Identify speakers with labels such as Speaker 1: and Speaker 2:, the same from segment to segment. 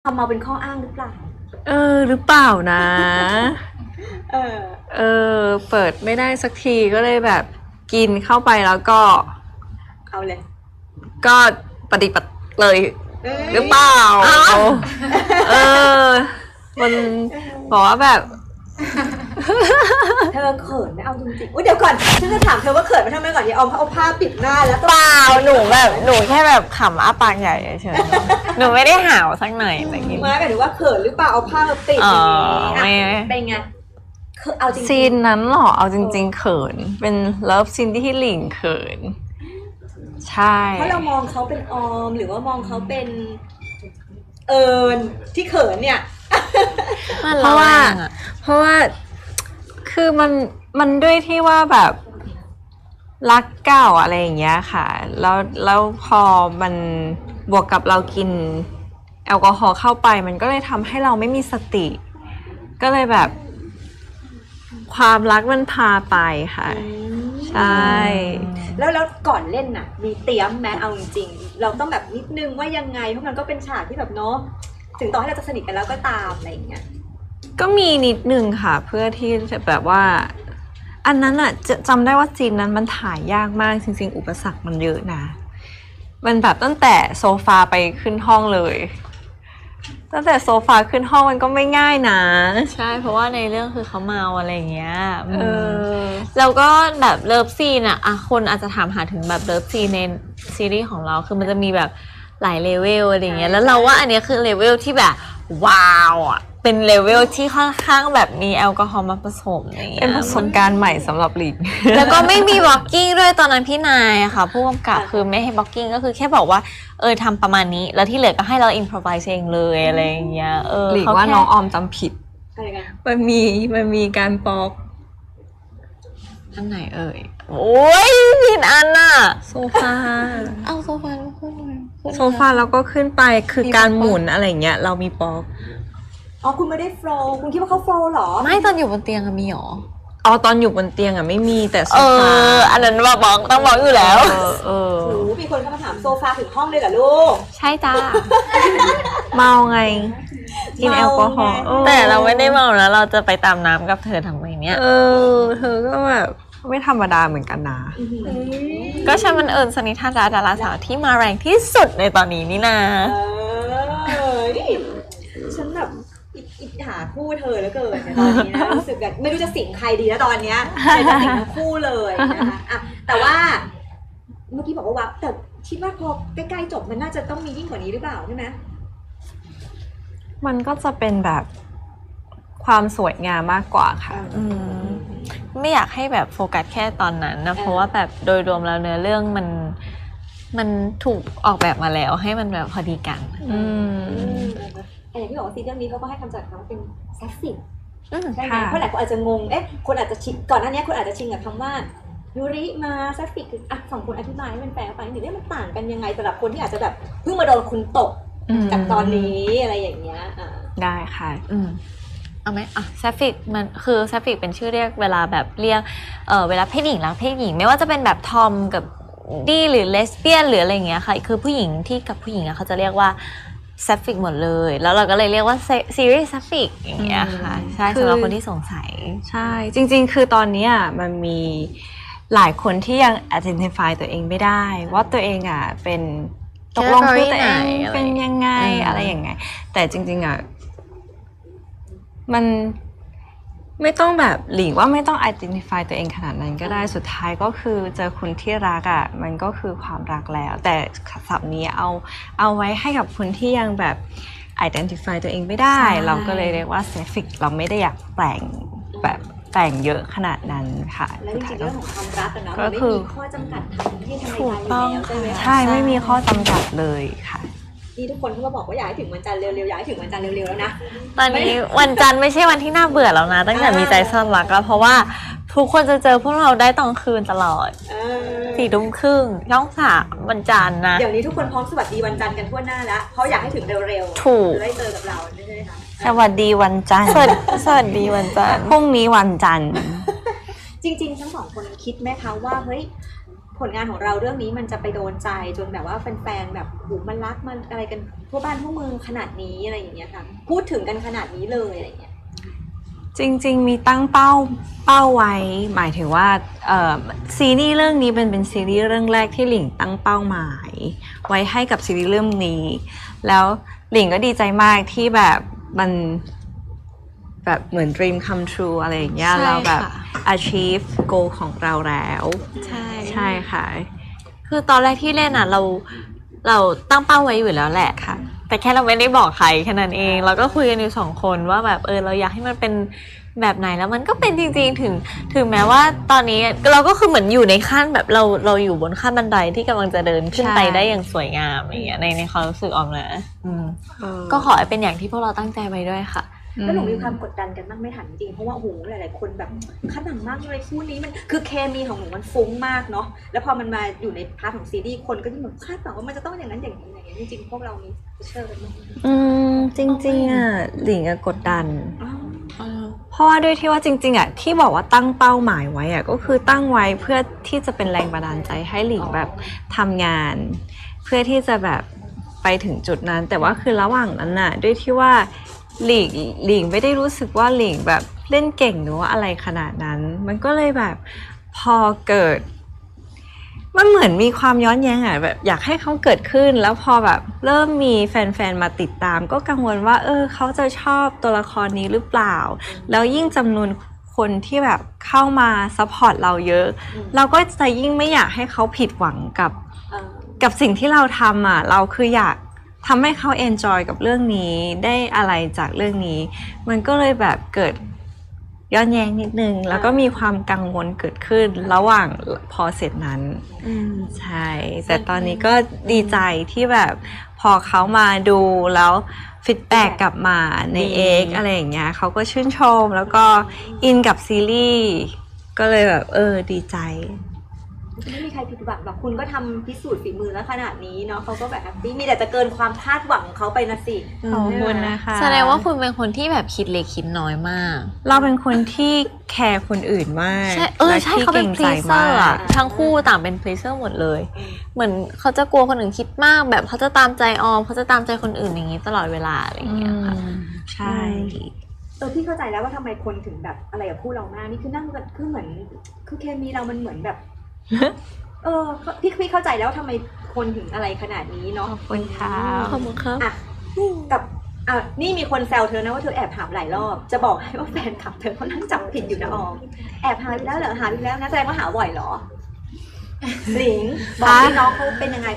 Speaker 1: ทำมาเป็นข้ออ้างหรือเปล่า
Speaker 2: หรือเปล่านะ
Speaker 1: เอ
Speaker 2: อเปิดไม่ได้สักทีก็เลยแบบกินเข้าไปแล้วก็
Speaker 1: เอาเลย
Speaker 2: ก็ปฏิบัติเลยหรือเปล่ามันบอกว่าแบบ
Speaker 1: เธอเขินไหมเอาจริงๆเดี๋ยวก่อนฉันจะถามเธอว่าเขินไหมทำไมก่อนอย่าเอาผ้าปิดหน้าแล้ว
Speaker 3: เปล่าหนูแค่แบบขำอ้าปากใหญ่เฉยๆหนูไม่ได้ห่าวสักหน่อยอะไรอย่างงี้
Speaker 1: ไม่หมายถึงว่าเขินหรือเปล่าเอาผ้ามาปิดอย่างนี้เป็นไงเอาจริง
Speaker 2: ซีนนั้นหรอเอาจริงๆเขินเป็นเลิฟซีนที่หลิงเขินใช่
Speaker 1: เพราะเรามองเขาเป็นออมหรือว่ามองเขาเป็นเอิญที่เขินเนี่ย
Speaker 2: เพราะว่าคือมันด้วยที่ว่าแบบรักเก่าอะไรอย่างเงี้ยค่ะแล้วพอมันบวกกับเรากินแอลกอฮอล์เข้าไปมันก็เลยทำให้เราไม่มีสติก็เลยแบบความรักมันพาไปค่ะใช่
Speaker 1: แล้วก่อนเล่นน่ะมีเตรียมแม้เอาจริงๆเราต้องแบบนิดนึงว่ายังไงเพราะมันก็เป็นฉากที่แบบเนาะถึงต่อให้เราจะสนิทกันแล้วก็ตามอะไรอย่างเงี้ย
Speaker 2: ก็มีนิดนึงค่ะเพื่อที่จะแบบว่าอันนั้นอ่ะจำได้ว่าซีนนั้นมันถ่ายยากมากจริงๆอุปสรรคมันเยอะนะมันแบบตั้งแต่โซฟาไปขึ้นห้องเลยตั้งแต่โซฟาขึ้นห้องมันก็ไม่ง่ายนะ
Speaker 3: ใช่เพราะว่าในเรื่องคือเขาเมาอะไรอย่างเงี้ยแล้วก็แบบเลิฟซีนอะคนอาจจะถามหาถึงแบบเลิฟซีนในซีรีส์ของเราคือมันจะมีแบบหลายเลเวลอะไรอย่างเงี้ยแล้วเราว่าอันนี้คือเลเวลที่แบบว้าวอะเป็นเลเวลที่ค่อนข้างแบบมีแอลกอฮอล์มาผสมอย่างเงี้ย
Speaker 2: เป็นประสบการณ์ใหม่สำหรับหลิง
Speaker 3: แล้วก็ไม่มีบล็อกกิ้งด้วยตอนนั้นพี่นายอะค่ะผู้กำกับคือไม่ให้บล็อกกิ้งก็คือแค่บอกว่าทำประมาณนี้แล้วที่เหลือก็ให้เราอินพรไวส์เองเลยอะไรอย่างเงี้ย
Speaker 2: หลิงว่าน้องออมจำผิดมันมีการปอก
Speaker 3: อันไหนโอ้ยผิดอันน่ะ
Speaker 2: โซฟา
Speaker 3: เอาโซฟาแล้วขึ้น
Speaker 2: โซฟาแล้วก็ขึ้นไปคือการหมุนอะไรเงี้ยเรามีปอก
Speaker 1: คุณไม่ได้โฟล์คุณคิดว่าเขาโฟล์หรอ
Speaker 3: ไม่ตอนอยู่บนเตียงมีหรอ
Speaker 2: ตอนอยู่บนเตียงไม่มีแต่โซฟา
Speaker 3: อันนั้นบอกต้องบอกอยู่แล้ว
Speaker 1: มีคนเข้ามาถามโซฟาถึงห้องเลยเหรอลูก
Speaker 3: ใช่จ้า
Speaker 2: เมาไงกินแอลกอฮอล์
Speaker 3: แต่เราไม่ได้เมาแล้วเราจะไปตามน้ำกับเธอทำไมเนี่ย
Speaker 2: เธอก็แบบไม่ธรรมดาเหมือนกันนะ
Speaker 3: ก็ใช่มันสนิทาดาราสาวที่มาแรงที่สุดในตอนนี้นี่นะ
Speaker 1: ฉันแบบอิจฉาคู่เธอแล้วเกินตอนนี้นะรู้สึกแบบไม่รู้จะสิงใครดีแล้วตอนเนี้ยจะสิงทั้งคู่เลยนะคะแต่ว่าเมื่อกี้บอกว่าวับแต่คิดว่าพอใกล้ๆจบมันน่าจะต้องมียิ่งกว่านี้หรือเปล่าใช่ไหม
Speaker 2: มันก็จะเป็นแบบความสวยงามมากกว่าค่ะ
Speaker 3: ไม่อยากให้แบบโฟกัสแค่ตอนนั้นนะเพราะว่าแบบโดยรวมแล้วเนื้อเรื่องมันถูกออกแบบมาแล้วให้มันแบบพอดีกัน
Speaker 1: อย่างที่บอกว่าซีรีส์เรื่องนี้เขาก็ให้คำจำกัดว่าเป็นแซฟฟิกใช่ไหมเพราะหลายคนอาจจะงงคนอาจจะชินก่อนหน้านี้คนอาจจะชินกับคำว่ายูริมาแซฟฟิกคือฝั่งคนอธิบายให้มันแปลไปนิดนึงมันต่างกันยังไงสำหรับคนที่อาจจะแบบเพิ่งมาโดนคุณตกจากตอนนี้อะไรอย่างเงี้ย
Speaker 2: ได้ค่ะ
Speaker 3: เอาไหมแซฟฟิกมันคือแซฟฟิกเป็นชื่อเรียกเวลาแบบเรียกเวลาเพศหญิงรักเพศหญิงไม่ว่าจะเป็นแบบทอมกับดีหรือเลสเบี้ยนหรืออะไรอย่างเงี้ยค่ะคือผู้หญิงที่กับผู้หญิงเขาจะเรียกว่าแซฟฟิกหมดเลยแล้วเราก็เลยเรียกว่าซีรีส์แซฟฟิกอย่างเงี้ยค่ะใช่สำหรับคนที่สงสัย
Speaker 2: ใช่จริงๆคือตอนนี้มันมีหลายคนที่ยัง identify ตัวเองไม่ได้ว่าตัวเองเป็นตกลงคือตัวเองเป็นยังไงอะไรอย่างไงแต่จริงๆมันไม่ต้องแบบหลิงว่าไม่ต้อง identify ตัวเองขนาดนั้นก็ได้สุดท้ายก็คือเจอคนที่รักมันก็คือความรักแล้วแต่ศัพท์นี้เอาไว้ให้กับคนที่ยังแบบ identify ตัวเองไม่ได้เราก็เลยเรียกว่า sapphic เราไม่ได้อยากแต่งแบบแต่งเยอะขนาดนั้นค่ะ
Speaker 1: และจริงๆเรื่องของความรักเนาะมันไม่มีข้อจำกัดทางเพศทางใดๆอยู่แล้วใช่ไหม
Speaker 2: ใช่ไม่มีข้อจำกัดเลยค่ะ
Speaker 1: นี่ทุกคนเขาก็บอกว่าอยากให้ถึงวันจันทร์เร็วๆอยากให้ถึงวันจันทร์เร็วๆแล้วนะ
Speaker 3: ตอนนี้วันจันทร์ไม่ใช่วันที่น่าเบื่อแล้วนะตั้งแต่มีใจซ่อนรักแล้วเพราะว่าทุกคนจะเจอพวกเราได้ตอนคืนตลอด4 ทุ่มครึ่งช่อง3วันจันทร์นะ
Speaker 1: เดี๋ยวนี้ทุกคนพร้อมสวัสดีวันจันทร์กันทั่วหน้าแล้วเพราะอยากให้ถึงเร็ว
Speaker 3: ๆถูก
Speaker 1: ได้เจอกับเราใช่ไหมคะ
Speaker 2: สวัสดีวันจันทร์
Speaker 3: สวัสดีวันจันทร์
Speaker 2: พรุ่งนี้วันจันทร์
Speaker 1: จริงๆทั้งสองคนคิดไหมคะว่าเฮ้ยผผลงานของเราเรื่องนี้มันจะไปโดนใจจนแบบว่าแฟนๆแบบหูมันรักมันอะไรกันทั่วบ้านทั่วเมืองขนาดนี้อะไรอย่างเงี้ยค่ะพูดถึงกันขนาดนี้เลยอะไรอย่างเงี้ย
Speaker 2: จริงๆมีตั้งเป้าไว้หมายถึงว่าซีรีส์เรื่องนี้เป็นซีรีส์เรื่องแรกที่หลิงตั้งเป้าหมายไว้ให้กับซีรีส์เรื่องนี้แล้วหลิงก็ดีใจมากที่แบบมันแบบเหมือน dream come true อะไรอย่างเงี้ยเราแบบ achieve goal ของเราแล้ว ใช่ค่ะ
Speaker 3: คือตอนแรกที่เล่นอ่ะเราตั้งเป้าไว้อยู่แล้วแหละ
Speaker 2: ค่ะ
Speaker 3: แต่แค่เราไม่ได้บอกใครแค่นั้นเองเราก็คุยกันอยู่2 คนว่าแบบเราอยากให้มันเป็นแบบไหนแล้วมันก็เป็นจริงๆถึงแม้ว่าตอนนี้เราก็คือเหมือนอยู่ในขั้นแบบเราอยู่บนขั้นบันไดที่กำลังจะเดินขึ้นไปได้อย่างสวยงามอย่างเงี้ยในความรู้สึกออมนะก็ขอให้เป็นอย่างที่พวกเราตั้งใจไว้ด้วยค่ะ
Speaker 1: แล้วหนูมีความกดดันกันบ้างไม่ถามจริงๆเพราะว่าโอ้โหหลายๆคนแบบคาดหวังมากเลยคู่นี้มันคือเคมีของหนูมันฟุ้งมากเนาะแล้วพอมันมาอยู่ในพาร์ทของซีรีส์คนก็ยิ่งแบบคาดหวังว่ามันจะต้องอย่างนั้นอย่างนี้อย่างนี้จริงๆพวกเรามีเชื่อกันไหม
Speaker 2: จริงๆอ่ะหลิงกดดันเพราะว่าด้วยที่ว่าจริงๆอ่ะที่บอกว่าตั้งเป้าหมายไว้อ่ะก็คือตั้งไว้เพื่อที่จะเป็นแรงบันดาลใจให้หลิงแบบทำงาน เพื่อที่จะแบบไปถึงจุดนั้นแต่ว่าคือระหว่างนั้นน่ะด้วยที่ว่าหลิงไม่ได้รู้สึกว่าหลิงแบบเล่นเก่งหรือว่าอะไรขนาดนั้นมันก็เลยแบบพอเกิดมันเหมือนมีความย้อนแย้งอ่ะแบบอยากให้เขาเกิดขึ้นแล้วพอแบบเริ่มมีแฟนๆมาติดตามก็กังวลว่าเขาจะชอบตัวละครนี้หรือเปล่าแล้วยิ่งจำนวนคนที่แบบเข้ามาซัพพอร์ตเราเยอะเราก็จะยิ่งไม่อยากให้เขาผิดหวังกับสิ่งที่เราทำอ่ะเราคืออยากทำให้เขาเอนจอยกับเรื่องนี้ได้อะไรจากเรื่องนี้มันก็เลยแบบเกิดย้อนแย้งนิดนึงแล้วก็มีความกังวลเกิดขึ้นระหว่างพอเสร็จนั้นใช่แต่ตอนนี้ก็ดีใจที่แบบพอเขามาดูแล้วฟีดแบ็กกลับมาในXอะไรอย่างเงี้ยเขาก็ชื่นชมแล้วก็อินกับซีรีส์ก็เลยแบบดีใจ
Speaker 1: ไม่มีใครผิดหวังหรอกคุณก็ทำพิสูจน์ฝีมือแล้วขนาดนี้เนาะเขาก็แบบแฮปปี้มีแต่จะเกินความคาดหวังของเขาไปนะสิ
Speaker 2: ขอบคุณนะคะ
Speaker 3: แสดงว่าคุณเป็นคนที่แบบคิดเล็กคิดน้อยมาก
Speaker 2: เราเป็นคนที่แคร์คนอื่นมาก
Speaker 3: ใช่ใช่เขาเป็นพลีเซอร์อะทั้งคู่ต่างเป็นพลีเซอร์หมดเลยเหมือนเขาจะกลัวคนอื่นคิดมากแบบเขาจะตามใจออมเขาจะตามใจคนอื่นอย่างนี้ตลอดเวลาอะไรอย่างเงี้ยค่ะ
Speaker 2: ใช่
Speaker 1: พี่เข้าใจแล้วว่าทำไมคนถึงแบบอะไรกับคู่เรามากนี่คือนั่งกันคือเหมือนคือเคมีเรามันเหมือนแบบพี่เข้าใจแล้วทำไมคนถึงอะไรขนาดนี้เนาะ
Speaker 2: ขอบคุณค่ะ
Speaker 3: ขอบคุณครับ
Speaker 1: กับนี่มีคนแซวเธอนะว่าเธอแอบถามหลายรอบจะบอกให้ว่าแฟนคลับเธอเขานั่งจับผิดอยู่นะออมแอบหาไปแล้วเหรอหาไปแล้วนะแสดงว่าหาบ่อยเหรอหลิงบอกให้น้องเขาเป็นยังไง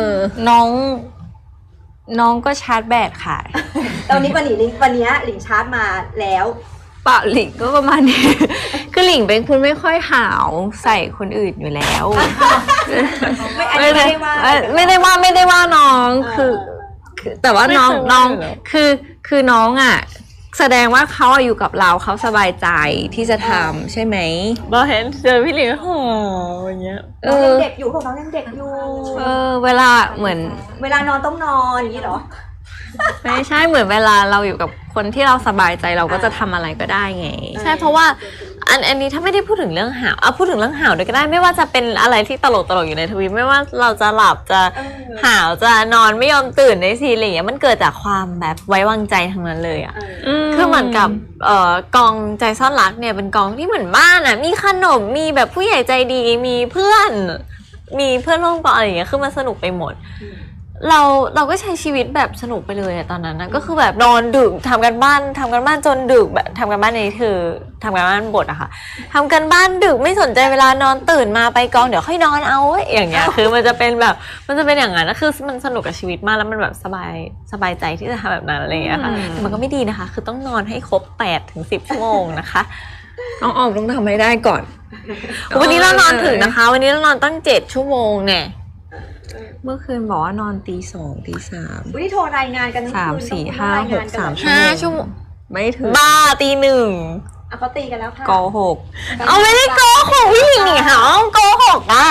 Speaker 2: น้องก็ชาร์จแบตค่ะ
Speaker 1: ตอนนี้วันนี้หลิงชาร์จมาแล้ว
Speaker 2: เปล่าหลิงก็ประมาณนี้คือหลิงเป็นคนไม่ค่อยหาวใส่คนอื่นอยู่แล้วไม่ได้ว่าน้องคือแต่ว่าน้องคือน้องอ่ะแสดงว่าเขาอยู่กับเราเขาสบายใจที่จะทำใช่ไหม
Speaker 3: เราเห็นเจอพี่หลิงอย่างเงี้ย
Speaker 1: น้องยังเด็กอยู่พวกน้องยังเด็กอยู่
Speaker 2: เวลาเหมือน
Speaker 1: เวลานอนต้องนอนอย่างนี้เหรอ
Speaker 2: ไม่ใช่เหมือนเวลาเราอยู่กับคนที่เราสบายใจเราก็จะทำอะไรก็ได้ไง
Speaker 3: ใช่เพราะว่าอันนี้ถ้าไม่ได้พูดถึงเรื่องหาวพูดถึงเรื่องหาวด้วยก็ได้ไม่ว่าจะเป็นอะไรที่ตลกอยู่ในทวีตไม่ว่าเราจะหลับจะหาวจะนอนไม่ยอมตื่นในซีรีส์อย่างเงี้ยมันเกิดจากความแบบไว้วางใจทั้งนั้นเลยอ่ะคือเหมือนกับกองใจซ่อนรักเนี่ยเป็นกองที่เหมือนบ้านอ่ะมีขนมมีแบบผู้ใหญ่ใจดีมีเพื่อนร่วมกองอะไรอย่างเงี้ยคือมันสนุกไปหมดเราก็ใช้ชีวิตแบบสนุกไปเลยอะตอนนั้นนะก็คือแบบนอนดึกทำกันบ้านจนดึกแบบทำกันบ้านในคือทำกันบ้านบทอะค่ะทำกันบ้านดึกไม่สนใจเวลานอนตื่นมาไปกองเดี๋ยวค่อยนอนเอาอย่างเงี้ยคือมันจะเป็นอย่างนั้นนะคือมันสนุกกับชีวิตมากแล้วมันแบบสบายใจที่จะทำแบบนั้นอะไรอย่างเงี้ยค่ะมันก็ไม่ดีนะคะคือต้องนอนให้ครบ8-10 ชั่วโมงนะคะ
Speaker 2: ต้องออกต้องทำให้ได้ก่อน
Speaker 3: วันนี้เรานอนถึงนะคะวันนี้เรานอนตั้ง7 ชั่วโมงเนี่ย
Speaker 2: เมื่อคืนบอกว่านอนตี 2 ตี 3
Speaker 1: วันนี้โทรรายงานกัน
Speaker 2: 3 4 5 6 3
Speaker 3: 5 ชั่วโมง
Speaker 2: ไม่ถึง
Speaker 3: บ้าตี 1
Speaker 1: เขาตีกันแล้วค่ะ
Speaker 2: โกหก
Speaker 3: ไม่ได้โกหกพี่หลิงหาโกหกอ่ะ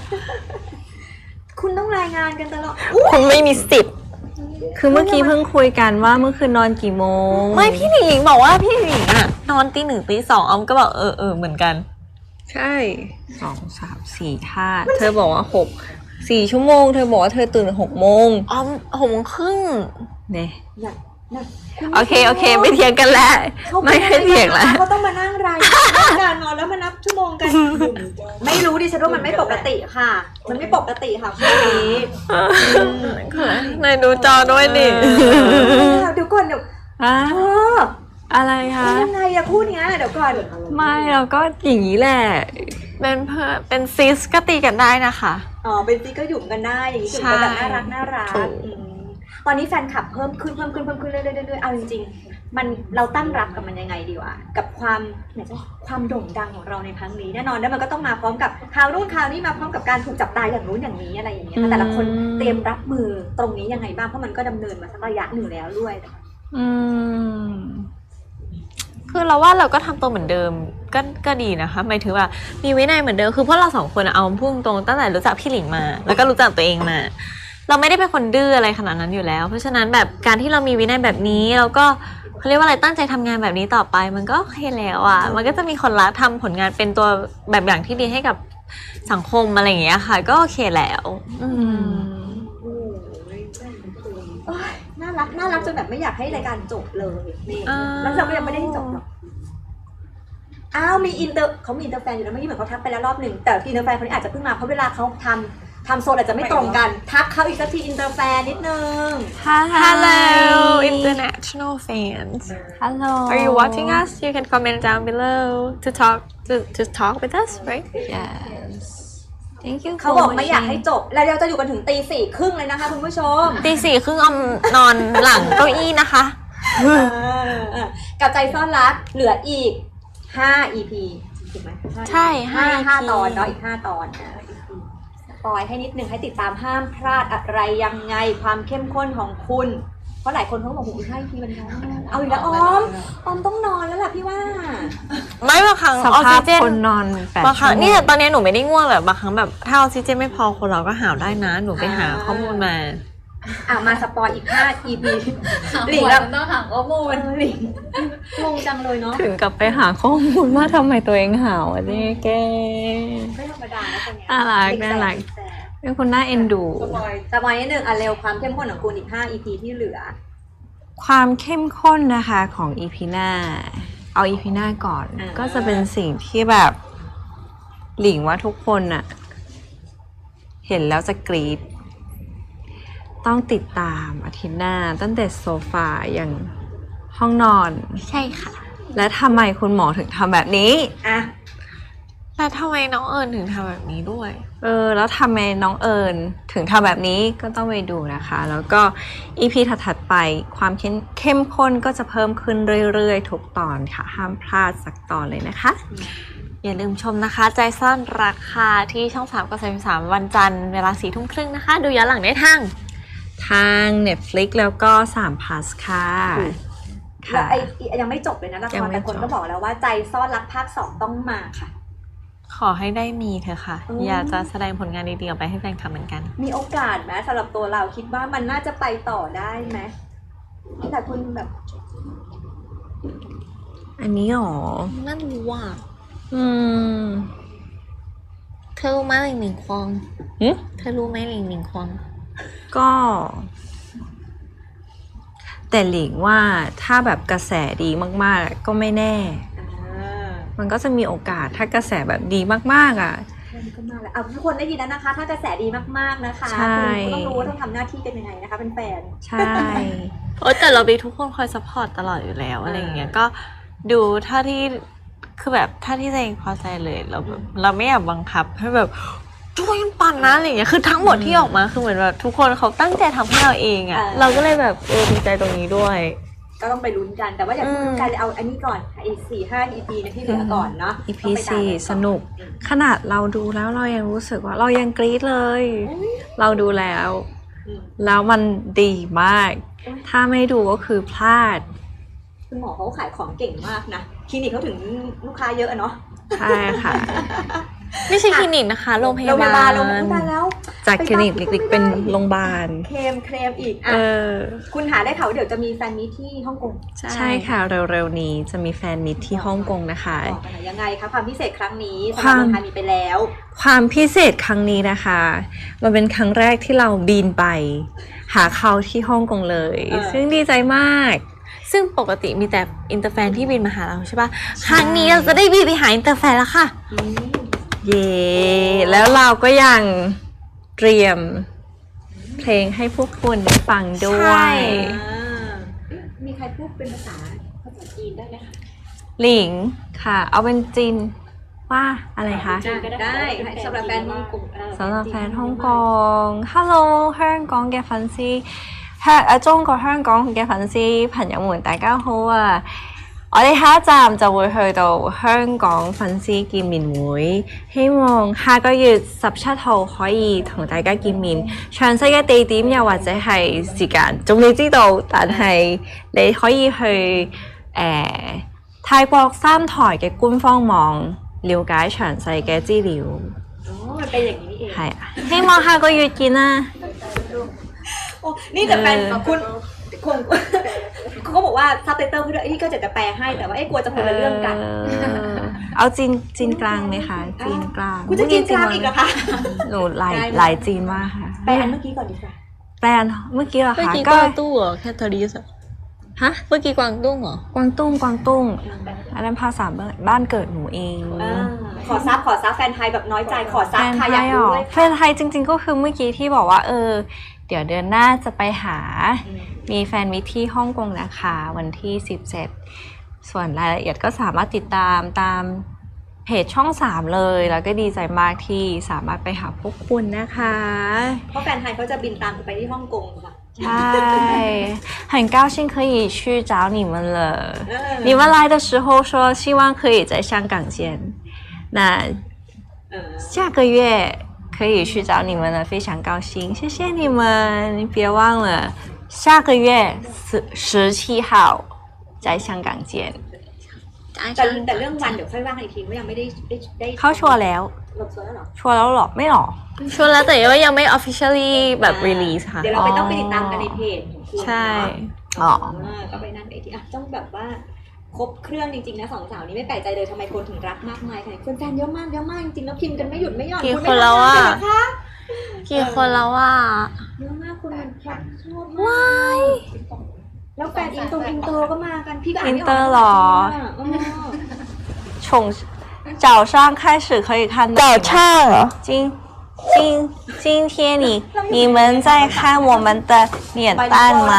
Speaker 1: คุณต้องรายงานกันตลอด
Speaker 3: คุณไม่มีสิทธิ์
Speaker 2: คือเมื่อกี้เพิ่งคุยกันว่าเมื่อคืนนอนกี่โมง
Speaker 3: ไม่พี่หลิงบอกว่าพี่หลิงอ่ะนอนตี 1 ตี 2ออมก็บอกเหมือนกัน
Speaker 2: ใช่2 3 4 5เธอบอกว่า4 ชั่วโมงเธอบอกว่าเธอตื่น6 โมง
Speaker 3: อ๋อ6 โมงครึ่ง
Speaker 2: เนี่ย
Speaker 1: น่ะ
Speaker 2: โอเคไม่เถียงกันแล้วไม่ให้เถียงแล้ว
Speaker 1: เขาต้องมานั่งรายการนอนแล้วมานับชั่วโมงกัน ไม่รู้ดิฉันว่ามันไม่ปกติค่ะ มันไม่ปกติค่ะคู่นี้
Speaker 3: ในดูจอด้วยดิ
Speaker 1: เดี๋ยวก่อนเดี๋ยว
Speaker 2: อะอะไรคะ
Speaker 1: ยังไงอะคู่เนี้ยเดี๋ยวก่อน
Speaker 2: ไม่เราก็อย่างนี้แหละ
Speaker 3: เป็นซิสก็ตีกันได้นะคะ
Speaker 1: อ๋อเป็นซีก็หยุ่มกันได้อย่างนี้หยุ่มกันแบบน่ารักตอนนี้แฟนคลับเพิ่มขึ้นเรื่อยๆเอาจริงๆมันเราตั้งรับกับมันยังไงดีวะกับความโด่งดังของเราในครั้งนี้แน่นอนแล้วมันก็ต้องมาพร้อมกับข่าวนู่นข่าวนี้มาพร้อมกับการถูกจับตาอย่างนู้นอย่างนี้อะไรอย่างเงี้ยแต่ละคนเตรียมรับมือตรงนี้ยังไงบ้างเพราะมันก็ดำเนินมาสักระยะหนึ่งแล้วด้วย
Speaker 3: คือเราว่าเราก็ทำตัวเหมือนเดิมก็ดีนะคะหมายถึงว่ามีวินัยเหมือนเดิมคือพวกเรา2 คนเอาพุ่งตรงตั้งแต่รู้จักพี่หลิงมาแล้วก็รู้จักตัวเองมาเราไม่ได้เป็นคนดื้ออะไรขนาดนั้นอยู่แล้วเพราะฉะนั้นแบบการที่เรามีวินัยแบบนี้เราก็เขาเรียกว่าอะไรตั้งใจทำงานแบบนี้ต่อไปมันก็โอเคแล้วอ่ะมันก็จะมีคนรักทำผลงานเป็นตัวแบบอย่างที่ดีให้กับสังคมอะไรอย่างเงี้ยค่ะก็โอเคแล้ว
Speaker 1: น่ารักจนแบบไม่อยากให้รายการจบเลยนี่แล้วเราก็ยังไม่ได้จบหรอกอ้าวมีเขามีอินเตอร์แฟนอยู่แล้วเมื่อกี้เหมือนเขาทักไปแล้วรอบหนึ่งแต่อินเตอร์แฟนคนนี้อาจจะเพิ่งมาเพราะเวลาเขาทำโซนอาจจะไม่ตรงกันทักเขาอีกสักทีอินเตอร์แฟนนิดนึง
Speaker 3: Hello international fans
Speaker 2: Hello
Speaker 3: Are you watching us You can comment down below to talk with us right
Speaker 2: Yes Thank you
Speaker 1: เขาบอกไม่อยากให้จบแล้วเราจะอยู่กันถึงตี 4:30เลยนะคะคุณผู้ชม
Speaker 3: ตี 4:30นอนหลังเก้าอี้นะคะ
Speaker 1: กับใจซ่อนรักเหลืออีก5 EP ถูกไหม
Speaker 3: ใช่
Speaker 1: 5 ตอนเนาะอีก5 ตอนปล่อยให้นิดนึงให้ติดตามห้ามพลาดอะไรยังไงความเข้มข้นของคุณเพราะหลายคนเขาบอกอีก5 EP มันน้อยเอาอีกแล้วออมต้องนอนแล้วล่ะพี่ว่า
Speaker 3: ไม่บางครั้งออกซิเจน
Speaker 2: คนนอน
Speaker 3: บางครั้งนี่ตอนนี้หนูไม่ได้ง่วงแบบบางครั้งแบบถ้าออกซิเจนไม่พอคนเราก็หาวได้นะหนูไปหาข้อมูลมา
Speaker 1: มาสปอยอีก5 EP
Speaker 4: หลิงแบบต้องหาข้อมูล
Speaker 1: หลิงงงจังเลยเนาะ
Speaker 2: ถึงกับไปหาข้อมูลว่าทำไมตัวเองหาวอ่ะนี่แก
Speaker 1: ไม่ธรรมดานะคนนี้
Speaker 2: น่ารักเป็นคนน่าเอ็นดู
Speaker 1: สปอยนิดนึงเร็วความเข้มข้นของคุณอีก5 EP ที่เหลือ
Speaker 2: ความเข้มข้นนะคะของ EP หน้าเอา EP หน้าก่อนก็จะเป็นสิ่งที่แบบหลิงว่าทุกคนน่ะเห็นแล้วจะกรี๊ดต้องติดตามอาทิตย์หน้าตั้งแต่โซฟาอย่างห้องนอน
Speaker 3: ใช่ค่ะ
Speaker 2: และทำไมคุณหมอถึงทำแบบนี้
Speaker 3: แล้วทำไมน้องเอิญถึงทำแบบนี้ด้วย
Speaker 2: แล้วทำไมน้องเอิญถึงทำแบบนี้ก็ต้องไปดูนะคะแล้วก็ EP ถัดไปความเข้มข้นก็จะเพิ่มขึ้นเรื่อยๆทุกตอนค่ะห้ามพลาดสักตอนเลยนะคะ
Speaker 3: อย่าลืมชมนะคะใจซ่อนรักค่ะที่ช่อง3 กับ33วันจันทร์เวลา4:30นะคะดูย้อนหลังได้ท
Speaker 2: าง Netflix แล้วก็3 Plus ค่ะ
Speaker 1: แล้วยังไม่จบเลยนะละครแต่คนก็บอกแล้วว่าใจซ่อนรักภาค 2ต้องมาค่ะ
Speaker 3: ขอให้ได้มีเถอะค่ะอยากจะแสดงผลงานดีๆออกไปให้แฟนคลับเหมือนกัน
Speaker 1: มีโอกาสไหมสำหรับตัวเราคิดว่ามันน่าจะไปต่อได้ไหมแต่คุณแบบ
Speaker 2: อันนี้หรอ
Speaker 3: นั่นรู้ว่าเธอรู้ไหมหลิงหลิงควงเธอรู้ไหมหลิงหลิงควง
Speaker 2: ก็แต่หลิงว่าถ้าแบบกระแสดีมากๆก็ไม่แน่มันก็จะมีโอกาสถ้ากระแสแบบดีมากๆ
Speaker 1: ก็มาแล้วทุกคนได้ยินแล้วนะคะถ้ากระแสดีมากๆนะคะคุณต้องรู้ว่าต้องทำหน้าที่กันยังไงนะคะเป็นแฟน
Speaker 2: ใช่
Speaker 3: แต่เรามีทุกคนคอยซัพพอร์ตตลอดอยู่แล้วอะไรอย่างเงี้ยก็ดูถ้าที่คือแบบถ้าที่ตัวเองพอใจเลยเราไม่อยากบังคับให้แบบช่วยกันปั่นนะอะไรอย่างเงี้ยคือทั้งหมดที่ออกมาคือเหมือนแบบทุกคนเขาตั้งใจทำให้เราเองอ่ะเราก็เลยแบบดีใจตรงนี้ด้วย
Speaker 1: ก็ต้องไปลุ้นกันแต่ว่าอย่าพูดกันเอาอันนี้ก่อนอีก4-5 EP นะที่เหลือก่อนเนาะ
Speaker 2: EP 4สนุกขนาดเราดูแล้วเรายังรู้สึกว่าเรายังกรี๊ดเลยเราดูแล้วมันดีมากถ้าไม่ดูก็คือพลาด
Speaker 1: คุณหมอเขาขายของเก่งมากนะคลินิกเขาถึงลูกค้าเยอะเนาะ
Speaker 2: ใช่ค่ะ
Speaker 3: ไม่ใช่คลินิกนะคะโรงพ
Speaker 1: โรงพ
Speaker 3: ยาย
Speaker 1: าบา
Speaker 3: บา
Speaker 1: ล
Speaker 3: ล
Speaker 1: โรงพยาบาลแล้ว
Speaker 2: จากคลินิกเล็กๆเป็นโรงพยาบาล
Speaker 1: เคลมอีกอ่ะ
Speaker 2: เออ
Speaker 1: คุณหาได้ข่าวว่าเดี๋ยวจะมีแฟนมีตที่ฮ่องกง
Speaker 2: ใช่ค่ะเร็วๆนี้จะมีแฟนมิตรที่ฮ่องกงนะคะ
Speaker 1: บอกกันหน่อยยังไงคะความพิเศษครั้งนี้สำห
Speaker 2: ค
Speaker 1: รับ
Speaker 2: วาม
Speaker 1: เมืองไทยมีไปแล้ว
Speaker 2: ความพิเศษครั้งนี้นะคะ มันเป็นครั้งแรกที่เราบินไป หาเขาที่ฮ่องกงเลย ซึ่งดีใจมาก
Speaker 3: ซึ่งปกติมีแต่อินเตอร์แฟนที่บินมาหาเราใช่ปะครั้งนี้เราจะได้บินไปหาอินเตอร์แฟนแล้วค่ะ
Speaker 2: เย่แล้วเราก็ยังเตรียมเพลงให้พวกคุณได้ฟังด้ว
Speaker 3: ใช่
Speaker 2: ย
Speaker 1: มีใครพูดเป็นภาษาจีนได้ไหมคะ
Speaker 2: หลิงค่ะ เอาเป็นจีนว่าอะไรคะ
Speaker 1: ได้สำหรับแฟนฮ่องกง
Speaker 2: สำหรับแฟนฮ่องกง Hello 香港嘅粉絲中國香港嘅粉絲朋友們大家好啊！我哋下一站就會去到香港粉絲見面會，希望下個月17號可以同大家見面。詳細嘅地點又或者係時間仲未知道，但係你可以去泰國三台嘅官方網了解詳細嘅資料。
Speaker 1: อ๋อมันเป็นอย่างนี้นี่เอง
Speaker 2: 係啊，希望下個月見啦。
Speaker 1: โอ้นี่แต่แฟนคุณคงเขาก็บอกว่าซับไตเติลคือที่ก็จะแปลให้แต่ว่าไอ้กลัวจะคนละเรื่องกัน
Speaker 2: เอาจีนกลางไหมคะจีนกลาง
Speaker 1: คุณจะจีนกลางอีกเหรอคะ
Speaker 2: หนูหลายจีนมากค่ะ
Speaker 1: แปลอันเมื่อกี้ก่อนดีกว่า
Speaker 2: แปลอันเมื่อกี้เหรอ
Speaker 3: เมื่อ
Speaker 2: คะ
Speaker 3: กี้
Speaker 2: ก็
Speaker 3: กวางตุ้งเหรอแคทเธอรีส
Speaker 2: ฮะ
Speaker 3: เมื่อกี้กวางตุ้งเหรอก
Speaker 2: วางตุ้งอันนั้นภาษาบ้านเกิดหนูเอง
Speaker 1: ขอซับแฟนไทยแบบน้อยใจขอซับ
Speaker 2: แฟนไท
Speaker 1: ค่ะ
Speaker 2: ย
Speaker 1: อยาก
Speaker 2: เหร
Speaker 1: รู้
Speaker 2: อ
Speaker 1: เลย
Speaker 2: แฟนไทยจริงๆก็คือเมื่อกี้ที่บอกว่าเดี๋ยวเดือนหน้าจะไปหา มีแฟนมิตรที่ฮ่องกงนะคะวันที่17ส่วนรายละเอียดก็สามารถติดตามเพจช่อง3เลยแล้วก็ดีใจมากที่สามารถไปหาพวกคุณนะคะ
Speaker 1: เพราะแฟนไทยเขาจะบินตามไปที่ฮ่องกงค่ะ
Speaker 2: ใช่很高兴可以去找你们了你们来的时候说希望可以在香港见那下个月可以去找你们了非常高兴谢谢你们别忘了下个月17号在香港见
Speaker 1: แต่เรื่องวันเดี๋ยวค่อยว่ากันอีกทีว่ายังไม่ได้
Speaker 2: เขาชัวร์แล้ว
Speaker 1: ลงโซนแล้วเหรอ
Speaker 2: ชัวร์แล้วหรอไม่หรอ
Speaker 3: ชัวร์แล้วแต่ว่ายังไม่ officially แบบ release ค่ะ
Speaker 1: เดี๋ยวเราไปต้องไปติดตามกันในเพจของคุณ
Speaker 3: ใช่
Speaker 2: อ๋อ
Speaker 1: ก็ไปนั่นไปที่ต้องแบบว่าครบเครื่องจริงๆนะสองสาวนี้ไม่แปลกใจเลยทำไมคนถึงรักมากมายขนาดนี้แฟนเยอะมากจริงๆแล้วพิมพ์กันไม่หยุดไม่หย่อน
Speaker 3: กี่
Speaker 1: ณ
Speaker 3: ค
Speaker 1: ไม่
Speaker 3: นแล้วอะ
Speaker 1: ทำงานเลยเหรอคะ
Speaker 3: กี่คนแล้วว่า
Speaker 1: เยอะมากคุณมันชอบมากแล้วแฟนอินเตอร์ก็มากันพี่ก็อ่านไม่ออก
Speaker 2: อินเตอร์เหรอ 早上开始可以看到
Speaker 3: 早上เหรอ
Speaker 2: 今天你们在看我们的脸蛋吗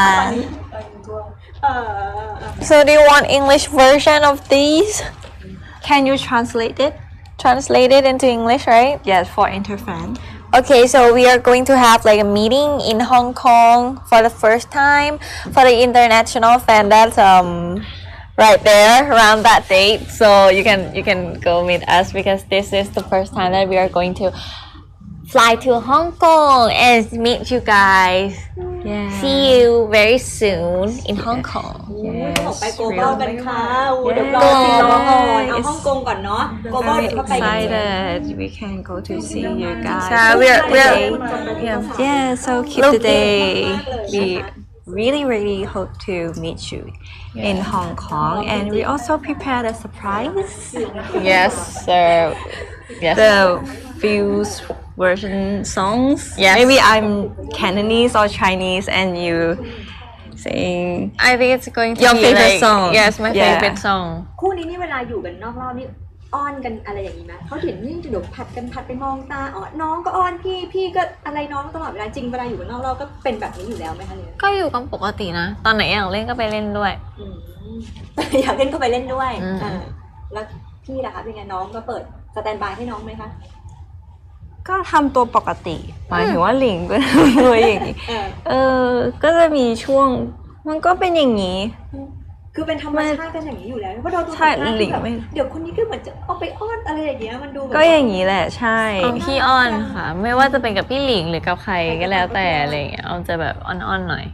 Speaker 3: So do you want English version of these
Speaker 2: Can you translate it
Speaker 3: translated into English right
Speaker 2: Yes for interfan
Speaker 3: Okay, so we are going to have like a meeting in Hong Kong for the first time for the international fan that's right there around that date. So you can go meet us because this is the first time that we are going to fly to Hong Kong and meet you guys.
Speaker 2: Yeah
Speaker 3: See you very soon in Hong Kong.
Speaker 1: บอกไปโกลบอลกันค่ะเดี๋ยวรอสิรอก่อนเอาฮ่องกงก่อนเนาะโกลบอล
Speaker 2: Very
Speaker 1: ก็ไปกัน
Speaker 2: excited we can go to see you guys
Speaker 3: Yeah, we're
Speaker 2: Yeah so keep the day we really hope to meet you in Hong Kong and we also prepared a surprise
Speaker 3: yes, sir. Yes.
Speaker 2: the Fuse version songs.
Speaker 3: Yes.
Speaker 2: Maybe I'm Cantonese or Chinese and you sing.
Speaker 3: I think it's going to
Speaker 2: Your
Speaker 3: be
Speaker 2: favorite
Speaker 3: like,
Speaker 2: song.
Speaker 3: Yes, my
Speaker 2: Yeah.
Speaker 3: favorite song.
Speaker 1: คู่นี้นี่เวลาอยู่กันนอกรอบนี่อ้อนกันอะไรอย่างนี้ไหมเขาเห็นนี่เดี๋ยวผัดไปมองตาอ๋อน้องก็อ้อนพี่ก็อะไรน้องตลอดเวลาจริงเวลาอยู่กันนอกรอบก็เป็นแบบนี้อยู่แล้วไหมคะเนี่ย
Speaker 3: ก็อยู่กันปกตินะ ตอนไหนอยากเล่นก็ไปเล่นด้วย
Speaker 1: อยากเล่นก็ไปเล่นด้วย
Speaker 3: อืม
Speaker 1: แล้วพี่ล่ะคะเป็นไงน้องก็เปิดสแตนบายให้น้องไหมคะ
Speaker 2: ก็ทำตัวปกติหมายถึงว่าหลิงก็ทำตัวอย่างนี้ก็จะมีช่วงมันก็เป็นอย่างนี้
Speaker 1: คือเป็นธรรมชาติกันอย่างนี้อยู่แล้วเพราะเราดู
Speaker 2: ใช่
Speaker 1: สัมภาษณ์
Speaker 2: หลิง
Speaker 1: แบบ
Speaker 2: ไม่
Speaker 1: เดี๋ยวคนนี้ก็เหมือนจะเอาไปอ้อนอะไรอย่างเงี้ยมันดูแบบ
Speaker 2: ก็อย่างนี้แหละใช่
Speaker 3: พี่อ้อนค่ะ ไม่ว่าจะเป็นกับพี่หลิงหรือกับใครก็แล้วแต่อะไรอย่างเงี้ยเอาจะแบบอ้อนๆหน่อย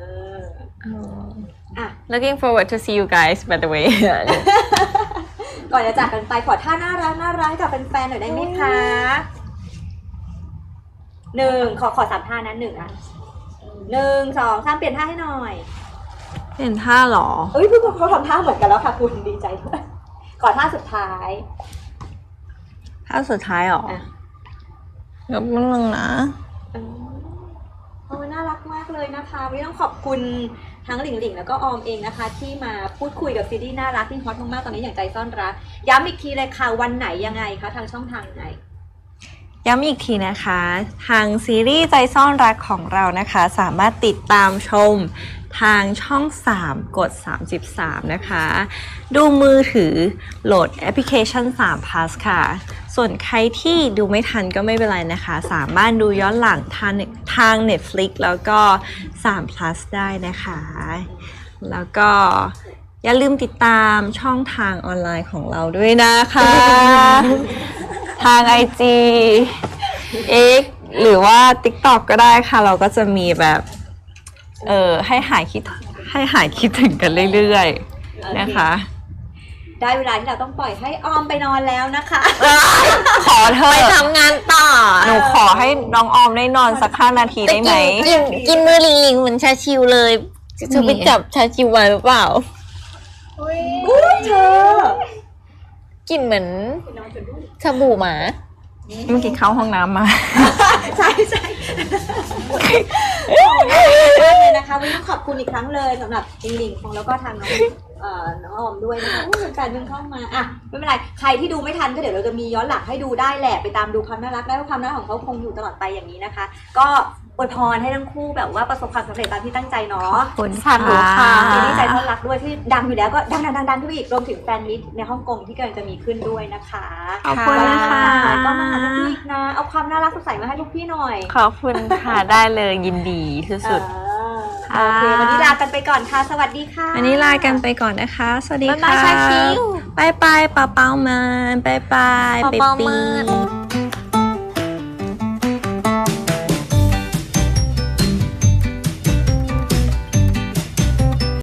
Speaker 1: อ่ะ
Speaker 3: Looking forward to see you guys by the way
Speaker 1: ก่อนจะจากกันไปขอท่าน่ารักกับแฟนๆหน่อยได้ไหมคะขอ3 ท่านะ1 2 3เปลี่ยนท่าให้หน่อย
Speaker 2: เห็นท่าเหรอ
Speaker 1: เอ้ยเขาทำท่าเหมือนกันแล้วค่ะคุณดีใจด้วยขอท่าสุดท้าย
Speaker 2: ท่าสุดท้ายเหรอ
Speaker 1: อ่ะ
Speaker 2: เดี๋ยวมันนึงนะ
Speaker 1: โอ้น่ารักมากเลยนะคะวันนี้ต้องขอบคุณทั้งหลิงหลิงแล้วก็ออมเองนะคะ ที่มาพูดคุยกับซีรีส์น่ารักที่ฮอตมากๆตอนนี้อย่างใจซ่อนรักย้ำอีกทีเลยค่ะวันไหนยังไงคะทางช่องทางไหน
Speaker 2: ย้ำอีกทีนะคะ ทางซีรีส์ใจซ่อนรักของเรานะคะ สามารถติดตามชมทางช่อง 3 กด 33 นะคะ ดูมือถือโหลดแอปพลิเคชัน3 plus ค่ะ ส่วนใครที่ดูไม่ทันก็ไม่เป็นไรนะคะ สามารถดูย้อนหลังทาง Netflix แล้วก็3 plus ได้นะคะ แล้วก็อย่าลืมติดตามช่องทางออนไลน์ของเราด้วยนะคะ ทาง IG X หรือว่า TikTok ก็ได้ค่ะ เราก็จะมีแบบให้หายคิดถึงกันเรื่อยๆนะคะ
Speaker 1: ได้เวลาที่เราต้องปล่อยให้ออมไปนอนแล้วนะคะ
Speaker 2: ขอเธ
Speaker 3: ไป
Speaker 2: อ
Speaker 3: ทำงานต่อ
Speaker 2: หนูขอให้น้องออมได้นอนสัก5 นาทีได้ไหม
Speaker 3: กินมือลิงลิงเหมือนชาชิวเลยจะไปจับชาชิวไว้หรือเปล่า
Speaker 1: อุ้ยเธอ
Speaker 3: กินเหมือนสบู่หมา
Speaker 2: เมื่อกี้เข้าห้องน้ำมา
Speaker 1: ใช่เลยนะคะวันนี้ขอบคุณอีกครั้งเลยสำหรับลิงลิงของแล้วก็ทางน้องออมด้วยนะคะแฟนเพิ่งเข้ามาอ่ะไม่เป็นไรใครที่ดูไม่ทันก็เดี๋ยวเราจะมีย้อนหลังให้ดูได้แหละไปตามดูความน่ารักได้เพราะความน่ารักของเขาคงอยู่ตลอดไปอย่างนี้นะคะ ก็อวยพรให้ทั้งคู่แบบว่าประสบความสำเร็จตามที่ตั้งใจเนาะ
Speaker 2: ขอบคุณ
Speaker 3: สาธุค่ะ
Speaker 1: ซีรีส์ใจซ่อนรักด้วยที่ดังอยู่แล้วก็ดังขึ้นไปอีกรวมถึงแฟนมิตรในฮ่องกงที่กำลังจะมีขึ้นด้วยนะคะ
Speaker 2: ขอบคุณค่ะ
Speaker 1: ก็มาหาลูกพี่อีกนะเอาความน่ารักสดใสมาให้ลูกพี่หน่อย
Speaker 3: ขอบคุณค่ะได้เลยยินดีที่สุด
Speaker 1: โอเควันนี้ลากันไปก่อนค่ะสวัสดีค่ะ
Speaker 2: วันนี้ลากันไปก่อนนะคะ สวัสดี
Speaker 3: บ๊าย
Speaker 2: ค่ะ
Speaker 3: บายชาคิว
Speaker 2: บายบายเปาเปามันบายบาย
Speaker 3: เปา
Speaker 2: เบ
Speaker 3: เปา
Speaker 2: บี้
Speaker 3: มัน